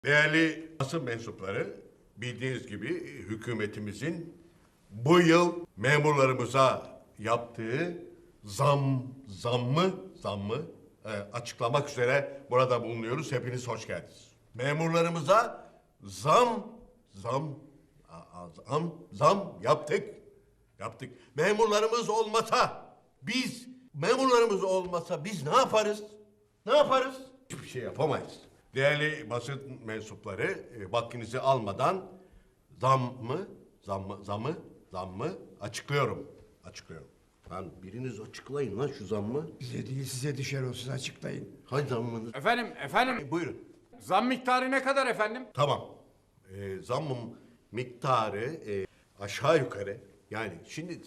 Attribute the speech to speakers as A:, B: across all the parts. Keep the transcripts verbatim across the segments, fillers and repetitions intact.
A: Değerli basın mensupları, bildiğiniz gibi hükümetimizin bu yıl memurlarımıza yaptığı zam, zammı, zammı e, açıklamak üzere burada bulunuyoruz. Hepiniz hoş geldiniz. Memurlarımıza zam, zam, a- a- zam, zam yaptık. Yaptık. Memurlarımız olmasa, biz, memurlarımız olmasa biz ne yaparız? Ne yaparız? Hiçbir şey yapamayız. Değerli basın mensupları, e, vaktinizi almadan zam mı, zam mı, zamı, zam mı açıklıyorum. Açıklıyorum. Lan biriniz açıklayın lan şu zammı.
B: Bize değil size düşer olsun açıklayın.
A: Hay zammınız.
C: Efendim, efendim.
A: E, buyurun.
C: Zam miktarı ne kadar efendim?
A: Tamam. E, zammın miktarı e, aşağı yukarı. Yani şimdi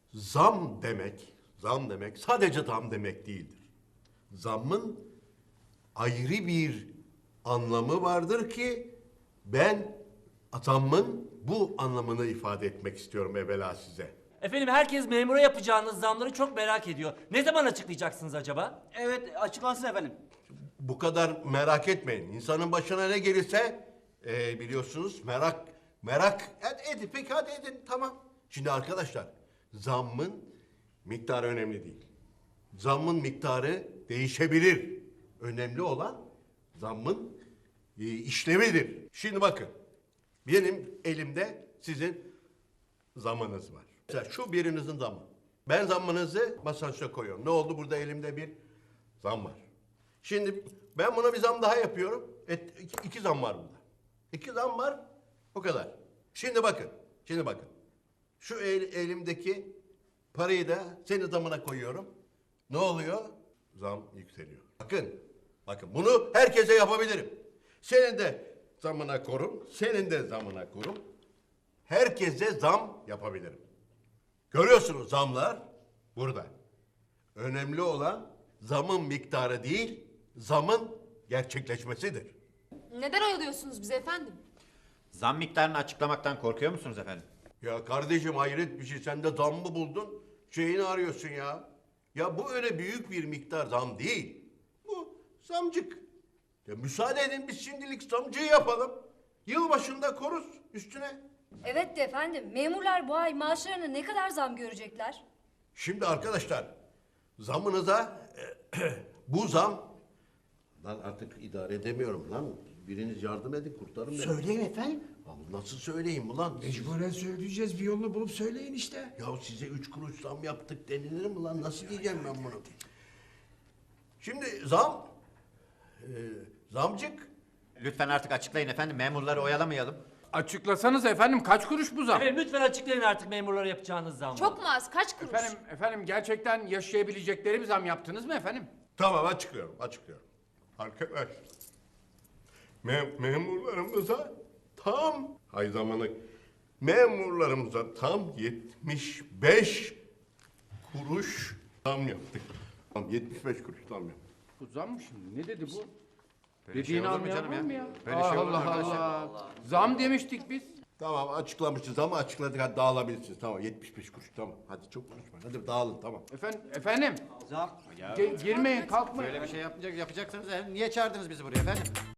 A: zam demek, zam demek sadece zam demek değildir. Zammın ayrı bir anlamı vardır ki ben zammın bu anlamını ifade etmek istiyorum evvela size.
D: Efendim herkes memura yapacağınız zamları çok merak ediyor. Ne zaman açıklayacaksınız acaba?
E: Evet, açıklansın efendim.
A: Bu kadar merak etmeyin. İnsanın başına ne gelirse e, biliyorsunuz merak merak ed, edin. Peki hadi edin tamam. Şimdi arkadaşlar zammın miktarı önemli değil. Zammın miktarı değişebilir. Önemli olan zammın e, işlevidir. Şimdi bakın benim elimde sizin zammınız var. Mesela şu birinizin zammı. Ben zammınızı masanın üstüne koyuyorum. Ne oldu? Burada elimde bir zam var. Şimdi ben buna bir zam daha yapıyorum. Et, iki, iki zam var burada. İki zam var. O kadar. Şimdi bakın. Şimdi bakın. Şu el, elimdeki parayı da senin zamına koyuyorum. Ne oluyor? Zam yükseliyor. Bakın. Bakın bunu herkese yapabilirim. Senin de zamına korum. Senin de zamına korum. Herkese zam yapabilirim. Görüyorsunuz zamlar burada. Önemli olan zamın miktarı değil, zamın gerçekleşmesidir.
F: Neden oyalıyorsunuz bizi efendim?
E: Zam miktarını açıklamaktan korkuyor musunuz efendim?
A: Ya kardeşim hayret bir şey. Sen de zam mı buldun? Şeyini arıyorsun ya. Ya bu öyle büyük bir miktar zam değil. Bu zamcık. Ya müsaade edin biz şimdilik zamcıyı yapalım. Yılbaşında koruz üstüne.
G: Evet de efendim, memurlar bu ay maaşlarına ne kadar zam görecekler?
A: Şimdi arkadaşlar zamınıza bu zam lan artık idare edemiyorum lan. Biriniz yardım edin kurtarın beni.
B: Söyleyin efendim.
A: Ya nasıl söyleyeyim ulan?
B: Mecburen söyleyeceğiz, bir yolunu bulup söyleyin işte.
A: Ya size üç kuruş zam yaptık denilir mi lan? Nasıl diyeceğim ben bunu? Şimdi zam, e, zamcık.
E: Lütfen artık açıklayın efendim, memurları oyalamayalım.
C: Açıklasanız efendim kaç kuruş bu zam?
D: Efendim lütfen açıklayın artık memurlara yapacağınız zamları.
F: Çok mu az? Kaç kuruş?
C: Efendim, efendim gerçekten yaşayabilecekleri bir zam yaptınız mı efendim?
A: Tamam açıklıyorum, açıklıyorum. Arkadaş, me memurlarımıza tam, hay zamanı, memurlarımıza tam yetmiş beş kuruş zam yaptık. Tam yetmiş beş kuruş zam yaptık.
C: Bu zam mı şimdi? Ne dedi bu?
E: Böyle
C: Dediğini
E: şey olur mu
C: anlayan
E: canım
C: var
E: ya?
C: mı ya?
E: Böyle şey olur mu
C: Allah
E: arkadaşlar?
C: Allah. Zam demiştik biz.
A: Tamam açıklamışız ama açıkladık hadi dağılabilirsiniz. Tamam yetmiş beş kuruş tamam. Hadi çok konuşmayın. Hadi dağılın tamam.
C: Efendim, efendim.
E: Zam. Ya
C: Ge- girmeyin, kalkmayın.
E: böyle bir şey yapacak, yapacaksanız niye çağırdınız bizi buraya efendim?